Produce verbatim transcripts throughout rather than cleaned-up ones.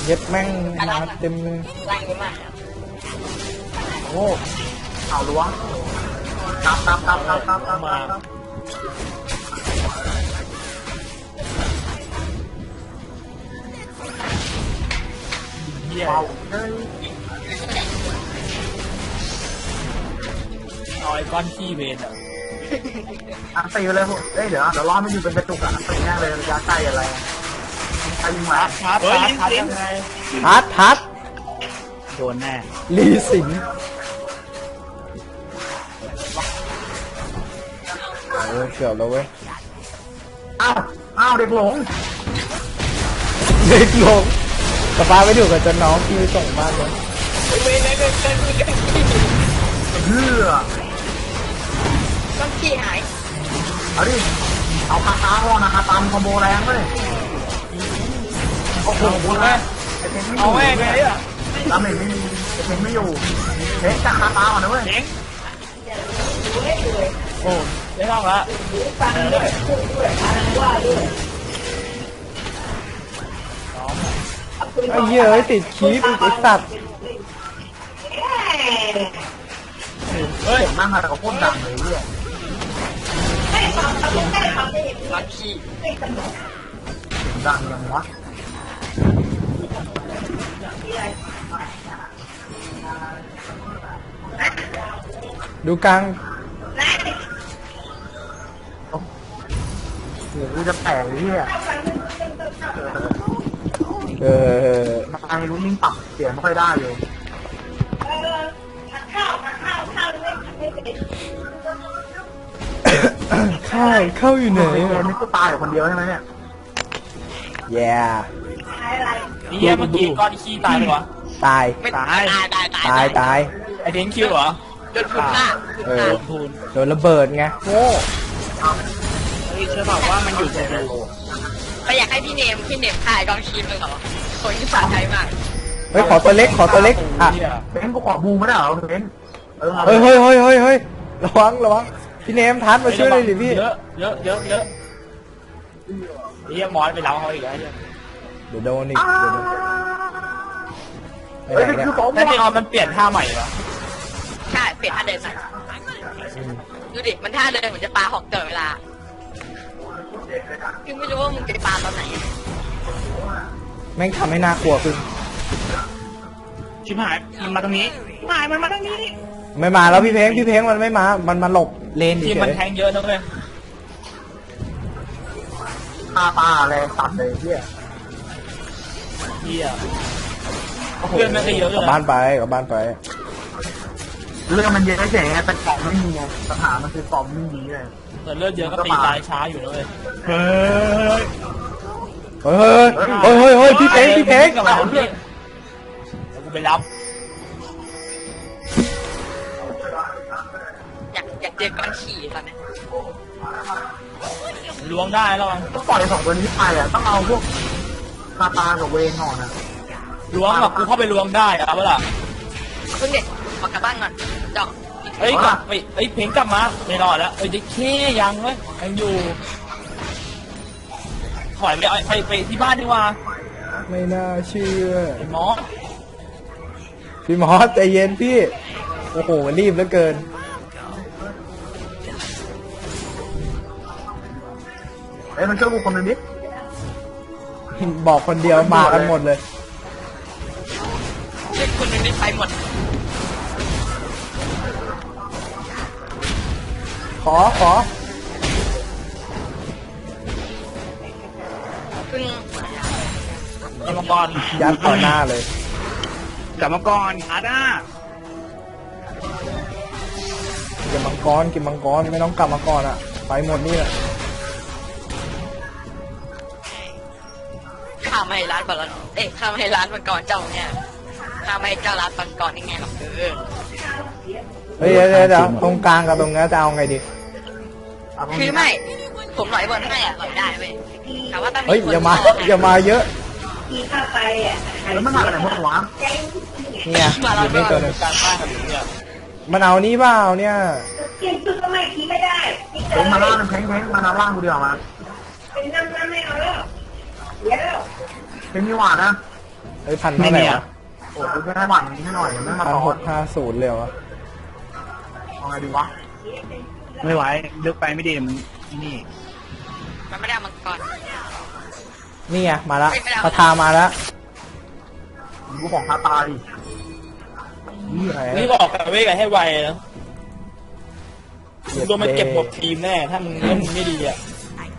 เย็ดแม่งมาเต็มเลยไล่ไม่มากโอ้เอาล้วงตับตับตับตับตับตับมาเหี้ยเอาไอ้ก้อนขี้เวนอ่ะอันตีไปเลยพวกเอ้ยเดี๋ยวเดี๋ยวรอไม่อยู่เป็นกระจุกอ่ะตีแน่เลยระยะใกล้อะไรใครยิงมาทัดทัดทัดยังไงทัดทัดโดนแน่ลีสิงเออเกือบแล้วเว้ยอ้าวอ้าวเด็กหลงเด็กหลงสปาไปดูกับจนน้องพี่ไปส่งบ้านเลยเว้ยเว้ยเว้ยเว้ยเว้ยเฮือต้องขี้หายเอาดิเอาคาตาก่อนนะคาตามคอมโบแรงเลยโอ้โหแม่เอาแม่ไงอ่ะดาเมจไม่มีเพ่งไม่อยู่เพ่งจากคาตาก่อนนะเว้ยเพ่งโอ้ได้ห้องละไอ้เหี้ยติดคีบไอ้สัตว์เฮ้ยนั่งอะไรกับพวกดังเลยเนี่ยลักขี้ดังยังวะดูกลางเดี๋ยวกูจะแตกเลยเนี่ยเออมาไอ้รู้นิ่งปรับเสียงไม่ค่อยได้เลยข้าวข้าวอยู่ไหนนี่ก็ตายอยู่คนเดียวใช่ไหมเนี่ยแย่นี่แย่เมื่อกี้ก้อนขี้ตายเลยวะตายตายตายตายตายตายตายไอเทนคิวเหรอโดนพูนฆ่าเออโดนระเบิดไงโง่เฮ้ยเชื่อบอกว่ามันอยู่ในโลไปอยากให้พี่เนมพี่เนมถ่ายกองชีมเลยเหรอคนที่สาใจมากเฮ้ยขอตัวเล็กขอตัวเล็กอ่ะเบนกูขอบูไม่ได้เหรอเบนเฮ้ยเฮ้ยเฮ้ยเฮ้ยเฮ้ยระวังระวังพี่เนมทันมาช่วยเลยดิพี่เยอะเยอะเยอะเยอะเฮียมอสไปเล้าเขาอีกแล้วเดี๋ยวโดนอีกเดี๋ยวโดนเฮ้ยคือผมแต่ที่ออมมันเปลี่ยนท่าใหม่เหรอใช่เปลี่ยนท่าเดินใหม่ดูดิมันท่าเดินเหมือนจะปาหอกเต๋อเวลาคือไม่รู้ว่ามึงจะปาตอนไหนแม่งทำให้น่ากลัวขึ้นชิบหายมันมาตรงนี้หายมันมาตรงนี้ไม่มาแล้วพี่เพงพี่เพงมันไม่มามันมาหลบเลนที่มันแทงเยอะนะเว้ยตาตาแรงตัดเลยเฮียเฮียเพื่อนมันก็เยอะเลยกลับบ้านไปกลับบ้านไปเรื่องมันเยอะเฉยแต่กล่องไม่มีไงปัญหามันคือกล่องไม่มีเลยแต่เลือดเยอะก็ตีตายช้าอยู่เลยเฮ้ยเฮ้ยเฮ้ยเฮ้ยเฮ้ยพี่เพงพี่เพงกับเราเพื่อนกูไปรับอยากอยากเจอก้อนขี้ตอนนี้ล้วงได้แล้วต้องปล่อยสองตัวนี้ไปอ่ะต้องเอาพวกคาตากับเวนหน่อยนะล้วงแบบกูเข้าไปล้วงได้อะเวลาเพิ่งเด็กมากลับบ้านก่อนจ่องเอ้ยกลับไปเอ้ยเพลงกลับมาไม่รอดแล้วเอ้ยจะแค่ยังเว้ยยังอยู่ถอยไปไปไปที่บ้านดีกว่าไม่น่าเชื่อไอ้มอสพี่มอสใจเย็นพี่โอ้โหรีบเหลือเกินเอ้ยมันช่วยกูคนนึงดิบอกคนเดียวมากันหมดเลยช่วยคนนึงได้ไปหมดขอขอขึ้นกรรมกรยัดต่อหน้าเลยกรรมกรอาด้าเก็บมังกรเก็บมังกรไม่ต้องกลับมาก่อนอ่ะไปหมดนี่แหละข้าไม่ให้ร้านบอลเอ๊ะข้าไม่ให้ร้านมังกรเจ้าเนี่ยข้าไม่ให้เจ้าร้านมังกรนี่ไงหรอกเออเฮ้ยเดี๋ยวเดี๋ยวตรงกลางกับตรงนี้จะเอาไงดีคือไม่ผมหล่อยบอลให้อ่ะหล่อยได้เว้ยแต่ว่าต้องมีเฮ้ยอย่ามาอย่ามาเยอะที่ข้าไปอ่ะแล้วมันมาอะไรพวกวะเนี่ยอยู่นี่ตัวนึงการบ้านกันอยู่เนี่ยมันเอานี่เปล่าเนี่ยเก่งสุดก็ไม่คิดไม่ได้เป็นมาล่างเป็นเพลงเพลงมาล่างกูเดียวมาเป็นน้ำน้ำไม่เอาแล้วเดี๋ยวเป็นมีหวานนะเฮ้ยพันเท่าไหร่วะโอ้กูไม่ได้หวั่นนี้ให้หน่อยไม่มาพันต่อหกห้าศูนย์เลยวะเอาไงดีวะไม่ไหวลึกไปไม่ดีมันนี่มันไม่ได้เอามังกรนี่ไงมาละไม่ได้คาทามาแล้วกูของคาตาดิไหนนี่บอกกับเว้ยให้ไวนะโดนมันเก็บหมดทีมแน่ถ้ามึงเล่นไม่ดีอ่ะ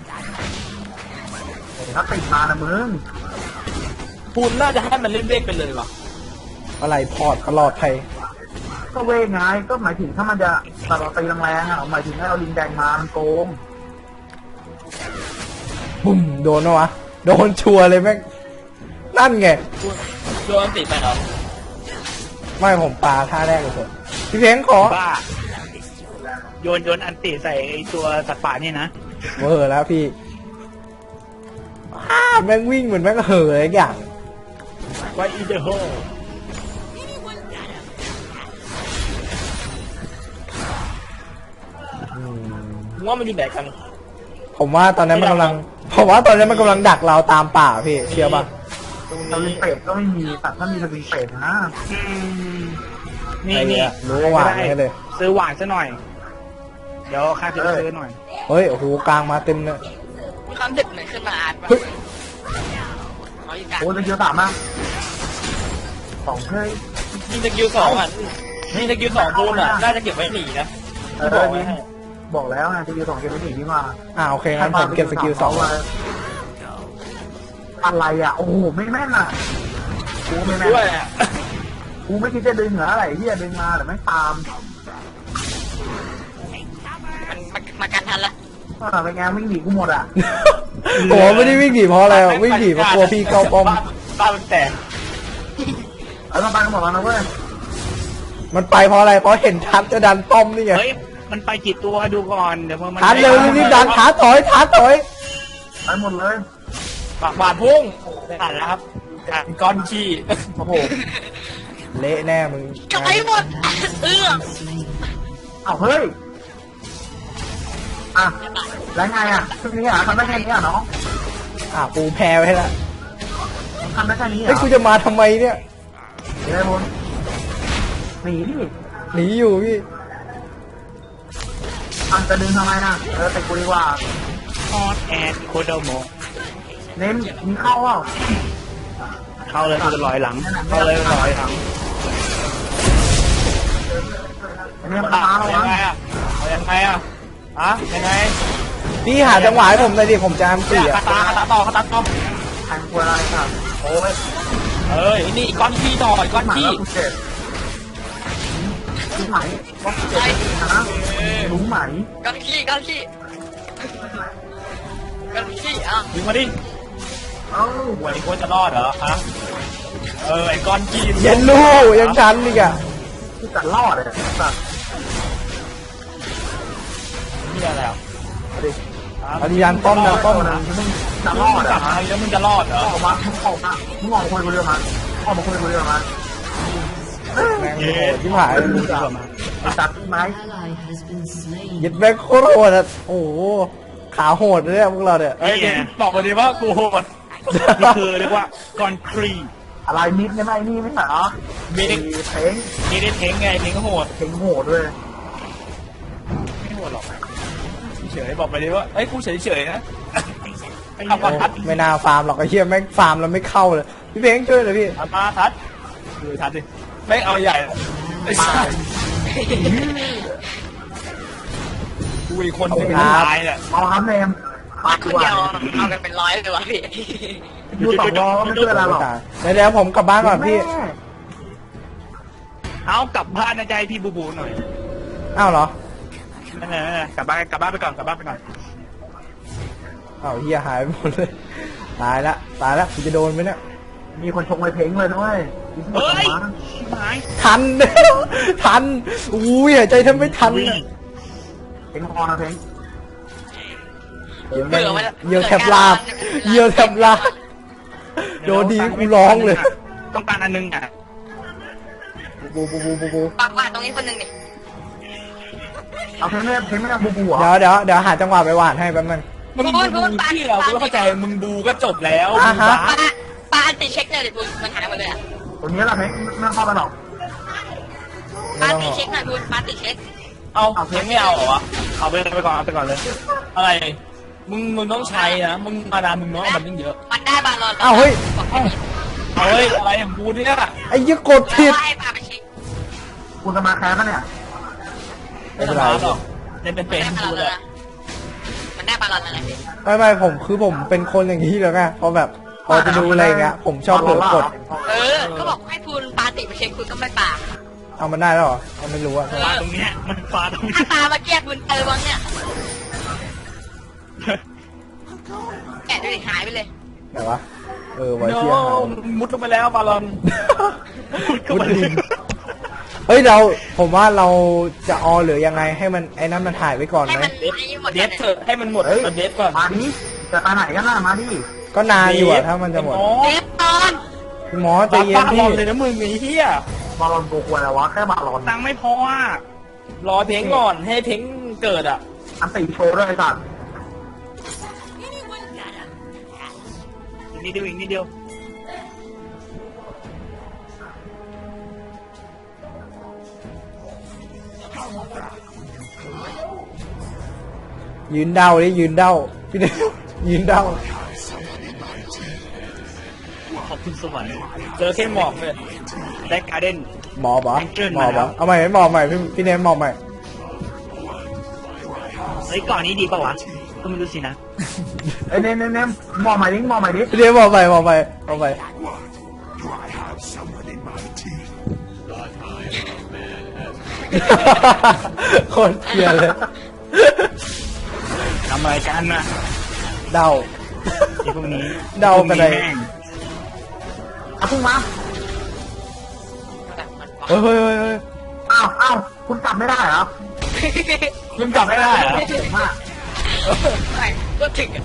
ถ้าติดมานะมึงปูนน่าจะให้มันเล่นเวกไปเลยว่ะอะไรพอร์ตตลอดไทยก็เว้ยไงก็หมายถึงถ้ามันจะแต่เราตีแรงๆอ่ะหมายถึงให้เราลิงแดงมามันโกงบุ้มโดนปะวะโดนชัวร์เลยแม่งนั่นไงโดนติดไปเหรอไม่ผมปาท่าแรกเลยผมพี่เพ้งขอบ้าโยนโยนอันติใส่ไอตัวสัตว์ป่านี่นะเวอร์แล้วพี่อ้าแม่งวิ่งเหมือนแม่งเห่ออะไรอย่างไว้อีเดอร์โฮอืมมึงว่ามันอยู่ไหนกันผมว่าตอนนั้นมันกำลังผมว่าตอนนั้นมันกำลังดักเราตามป่าพี่เชื่อป่ะสวิงเป็ดก็ไม่มีแต่ถ้ามีสวิงเป็ดนะอืมนี่ไอ้นี่เนี่ยรู้ว่าหวานให้เลยซื้อหวานซะหน่อย เดี๋ยวข้าจะไปซื้อหน่อยเฮ้ยโอ้โหกลางมาเต็มเลยมีความดึกเหมือนขึ้นมาอ่านว่าเฮ้ยเขาอยู่กลางโอ้ยจะเยอะสามมากสองเฮ้ยยิงสกิลสองอ่ะยิงสกิลสองปูนอ่ะน่าจะเก็บไว้หนีนะเอที่บออกไว้ให้บอกแล้วไงสกิลสองเกมไม่ถึงที่มาอ่าโอเคงั้นผมเก็บสกิลสองอะไรอ่ะโอ้โหไม่แม่นอ่ะกูไม่แม่นด้วยอ่ะกูไม่คิดจะดึงเหรออะไรเฮียดึงมาแต่ไม่ตามมันมามากันทันละเออเป็นไงวิ่งหนีกูหมดอ่ะโอ้ไม่ได้วิ่งหนีเพราะอะไรวะวิ่งหนีเพราะกลัวพี่เข้าป้อมบ้านมันแตกแล้วต้องไปกันหมดแล้วนะเว้ยมันไปเพราะอะไรเพราะเห็นทัดจะดันป้อมนี่ไงเฮ้ย มันไปกี่ตัวดูก่อน เดี๋ยวมันทัดเร็วรีบดันทัดถอยทัดถอยไปหมดเลยปากบาดพุ่งอ่านแล้วครับการก้อนขี้โอ้โหเละแน่มึงกลับไปหมดเอื้อเอาเฮ้ยอ่ะแล้วไงอ่ะชุดนี้อ่ะทำได้แค่นี้อ่ะน้องอ่ะปูแพ้ไว้แล้วทำได้แค่นี้เฮ้ยอ่ะกูจะมาทำไมเนี่ยเดี๋ยวได้บนหนีดิหนีอยู่พี่อันจะดึงทำไมนะเออแต่กูดีกว่าฮอตแอดโคโดโมเน้นมีเข้าเปล่าเข้าเลยกูจะลอยหลัง เข้าเลยลอยหลังอันนี้มันตาเรายัวะงไงอ่ะเอายังไงอ่ะอะยังไงพี่หาจังหวะให้ผมหน่อยดิผมจะอัมเนี่สี่ยอ่ะคาตาคาตาต่อคาตาต่อแทงกลัวอะไรครับโอ้ยเอ้ยนี่ก้อนขี้ต่ออีกก้อนหมาขี้แล้วกูเจ็บรู้ไหมว่ากูเจ็บนะรู้ไหมก้อนขี้ก้อนขี้ก้อนขี้อ่ะดึงมาดิเอ้าหวยควรจะรอดเหรอฮะเออไอ้ก้อนขี้เย็นลูกยังชันอีกอ่ะที่จะรอดเลยสัตว์นี่อะไรอ่ะอริยันป้อมนะป้อมนะนะมึงจะรรออดดกลัอ่ะบมาแล้วมึงจะรอดเหรอออกมามึงออกมามึงออกมาคุยกูเรื่องมันออกมาคุยกูเรื่องมันแม่งโหดที่ผายมึงจะตัดไหม ally has been slain. ยึดแม่งโคตรโหดอ่ะโอ้โหขาโหดเลยเนี่ยพวกเราเนี่ยเฮ้ยเดี๋ยวบอกมาดิว่ากูโหดนี่คือเรียกว่าก่อนครีอะไรมิดเนี่ยไม่นี่ไม่ใช่เหรอมีเด็กเพลงมีเด็กเทงไงเทงก็โหดเพลงโหดด้วยไม่โหดหรอกเฉยบอกไปดิว่าเอ้ยกูเฉยเฉยๆนะโอ้ไม่น่าฟาร์มหรอกไอ้เหี้ยแม่งฟาร์มแล้วไม่เข้าเลยพี่เพ้งช่วยหน่อยพี่เอามาทัดดูทัดดิไม่เอาใหญ่ไอ้สัสกูอีกคนหนึงเป็นตายเนี่ยเอาครับเนมมาคนเดียวเอากันเป็นร้อยเลยวะพี่ดูสองล้อก็ไม่ช่วยอะไรหรอกเดี๋ยวเดี๋ยวผมกลับบ้านก่อนพี่แม่เอากลับบ้านนะใจพี่บูบูหน่อยอ้าวเหรอนั่นแหละกลับบ้านกลับบ้านไปก่อนกลับบ้านไปก่อนอ้าวเหี้ยหายไปหมดเลยตายละตายละกูจะโดนไหมเนี่ยมีคนชงไปเพลงเลยด้วยเฮ้ยหายทัน ทันอุ้ยหายใจแทบไม่ทันอะเพลงพอนะเพลงเดี๋ยวเบื่อมันเยี่ยวแทบลาบเยี่ยวแทบลาบโดนดีกูร้องเลยต้องการอันนึงอ่ะบูบูบูบูบูปากว่าตรงนี้คนหนึ่งดิเอาเพลงไม่เพลงไม่ได้บูบูเหรอเดี๋ยวเดี๋ยวเดี๋ยวหาจังหวะไปหวานให้แป๊บนึงมึงบูที่เรากูไม่เข้าใจมึงบูก็จบแล้วอ่าฮะปาปาติเช็คเลยเดี๋ยวบุญมันหายหมดเลยอ่ะตรงนี้แหละเพชรไม่เข้าไปหรอกปาติเช็คหน่อยบุญปาติเช็คเอาเพลงไม่เอาเหรอวะเอาไปไปก่อนเอาไปก่อนเลย อะไรมึงมึงต้องใช้นะมึงมาดามมึงน้อยมันยิ่งเยอะมันได้บาลอนอ้าวเฮ้ยบอกแค่นี้เอาเฮ้ยอะไรอย่างกูเนี่ยไอ้ยี่กดแล้วผิดว่าให้พาไปเช็คคุณจะมาแคสปะเนี่ยไม่เป็นไรหรอกเล่นเป็นมัเป็นนได้บากูลอนเลแล้วยนะมันได้บาลอนแล้วนะไม่ไม่ผมคือผมเป็นคนอย่างนี้แล้วไงพอแบบพอจะดูอะไรอย่างเงี้ยผมชอบเผลอกดเออก็บอกให้คุณปาติไปเช็คคุณก็ไม่ปาเอามันได้แล้วเหรอเอาไม่รู้อะปลาตรงเนี้ยมันปลาตรงถ้าเนี้ยตามาเกียกบุญเตอวังเนี่ยแกะดูดิหายไปเลยไหนวะเออไว้โน้เที่ยงหายมุดลงไปแล้วบาลอนก็มันเฮ้ยเราผมว่าเราจะออหรือยังไงให้มันไอ้นั้นมันถ่ายไว้ก่อนให้ไหมมันให้หมดเดฟเถอะให้มันหมดมันเดฟก่อนมาดิจะไปไหนกันล่ะมาดิก็นานอยู่อะถ้ามันจะหมดเดฟตอนหมอใจบ้าเย็นบ้าบพี่อลเลยนะมึงไอ้เหี้ยบอลลอนโกควรแล้ววะแค่บอลลอนตังค์ไม่พออ่ะรอเพลงก่อนให้เพลงเกิดอ่ะอันตีโชว์ด้วยไอ้สัตว์อีกนิดเดียวอีกนิดเดียวยืนเดาดิยืนเดาพี่เดวยืนเดาขอบคุณสวรรค์เจอแค่หมอกเลยได้การ์เด้นหมอปะเกินหมมาอแล้ปะวเอาใหม่หมอใหม่พี่พี่เนมหมอใหม่เฮ้ยก่อนนี้ดีป่าวะก็ไม่รู้สินะไอ้เนมเนมเนมมองใหม่ดิมองใหม่ดิพี่เนมหมอใหม่หมอใหม่หมอใหม่คนเกลียดเลยทำอะไรกันนะเดาไอ้พวกนี้เดากันเลยพวกแม่งเอาพุ่งมาแบบมันบอกเฮ้ยเฮ้ยเฮ้ยเฮ้ยอ้าวอ้าวคุณกลับไม่ได้เหรอยังกลับไม่ได้เหรอเก่งมากไม่ก็ถึงอ่ะ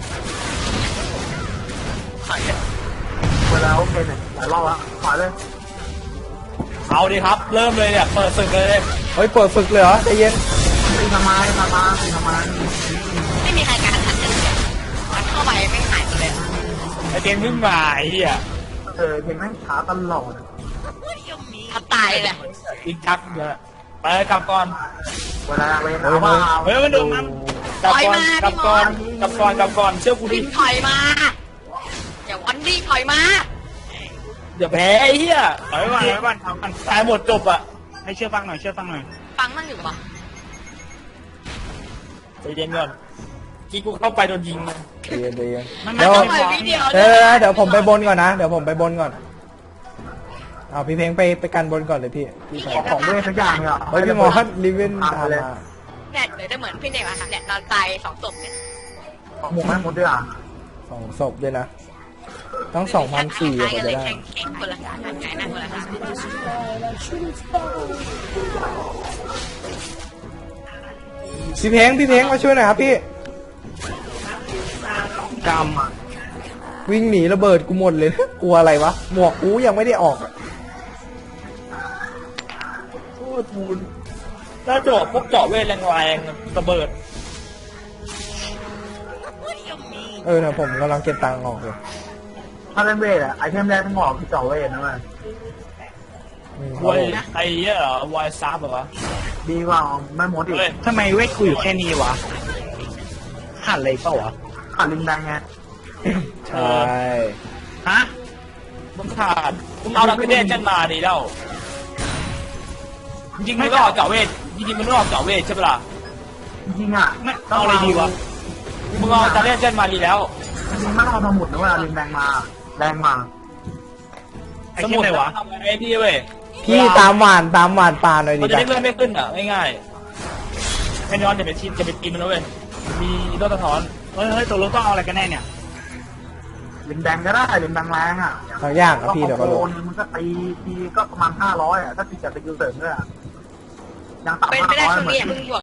ขอเถอะเวลาโอเคเนี่ยหลายรอบแล้วขอเลยเอาดิครับ เริ่มเลยเนี่ยเปิดศึกเลยเฮ้ยเปิดฝึกเลยเหรอใจเย็นตีทำไมทำไมตีทำไมไม่มีใครการทันกันเลยมันเข้าไปไม่หายไปเลยไอเพลงเพิ่งมาไอ้เหี้ยเออเพลงแม่งช้าตลอดถ้าตายเลยอีกชักเยอะไปกลับก่อนเวลาเวลาว่าเฮ้ยมันโดนมันกลับก่อนกลับก่อนกลับก่อนกลับก่อนเชื่อกูดิพิมถอยมาอย่าวันดี้ถอยมาเดี๋ยวแพ้ไอ้เหี้ยถอยไว้ก่อนถอยไว้ก่อนทำกันตายหมดจบอ่ะให้เชื่อฟังหน่อยเชื่อฟังหน่อยฟังมั่งอยู่ปะใจเย็นก่อนกี้กูเข้าไปโดนยิงเลยใจเย็นใจเย็นมันเดี๋ยวไม่ปล่อยวิดีโอเดี๋ยวเดี๋ยวเดี๋ยวผมไปบนก่อนนะเดี๋ยวผมไปบนก่อนเอาพี่เพลงไปไปกันบนก่อนเลยพี่พี่ไปของเวทสักอย่างเนี่ยเฮ้ยพี่หมอลิเวนตามมาเนี่ยเดี๋ยวจะเหมือนพี่เด็กอะค่ะเนี่ยนอนตายสองศพเนี่ยหมกแม่หมดด้วยอ่ะสองศพด้วยนะต้องสองพันสี่กว่าจะได้แข่งแข่งคนละสามไงนั่งคนละสามพี่เพลงพี่เพลงมาช่วยหน่อยครับพี่กรรมวิ่งหนีระเบิดกูหมดเลย กลัวอะไรวะหมวกกูยังไม่ได้ออกอะโอ้ทูนถ้าเจาะพวกเจาะเวทแรงๆระเบิดเออเนี่ยผมกำลังเก็บตังค์ออกเลยถ้าเล่นเวทอ่ะไอเทมแรกต้องออกคือเจาะเวทนะมันอืมวายไอ้เหี้ยเหรอวายซับเหรอดีกว่าแม่หมดอีกเฮ้ยทำไมเวทกูอยู่แค่นี้วะขาดอะไรเปล่าวะขาดลิงแดงไงใช่ฮะมึงขาดมึงเอาดักเดนจันมาดีแล้วจริงๆมึงต้องออกเจาะเวทจริงๆมึงต้องออกเจาะเวทใช่ปะล่ะจริงๆอ่ะไม่เอาอะไรดีวะมึงเอาดักเดนจันมาดีแล้วจริงๆไม่ต้องเอาสมุดนะเวลาลิงแดงมาแดงมาไอ้สเช่มุนดไหนวะทำไอ้นี่เว้ยพี่ตามหวานตามหวานปลาหน่อยมัดินจะจ้ะได้เลื่อนไม่ขึ้นอ่ะง่ายๆแค่ย้อนจะไปทีจะไปตีมันแล้วเว้ยมีโดนสะท้อนเฮ้ยเฮ้ยตัวรถต้องเอาอะไรกันแน่เนี่ยลิงแดงก็ได้ลิงแดงแรงอ่ะบางอย่างอะพี่เดี๋ยวก็โดรู้นมันก็ตีทีก็ประมาณห้าร้อยอ่ะถ้าตีจากสกิลเสริมด้วยอ่ะยังต่ำเป็นห้าไปได้ร้อยช่วงเหมือนี้อย่าน เพิ่งหยว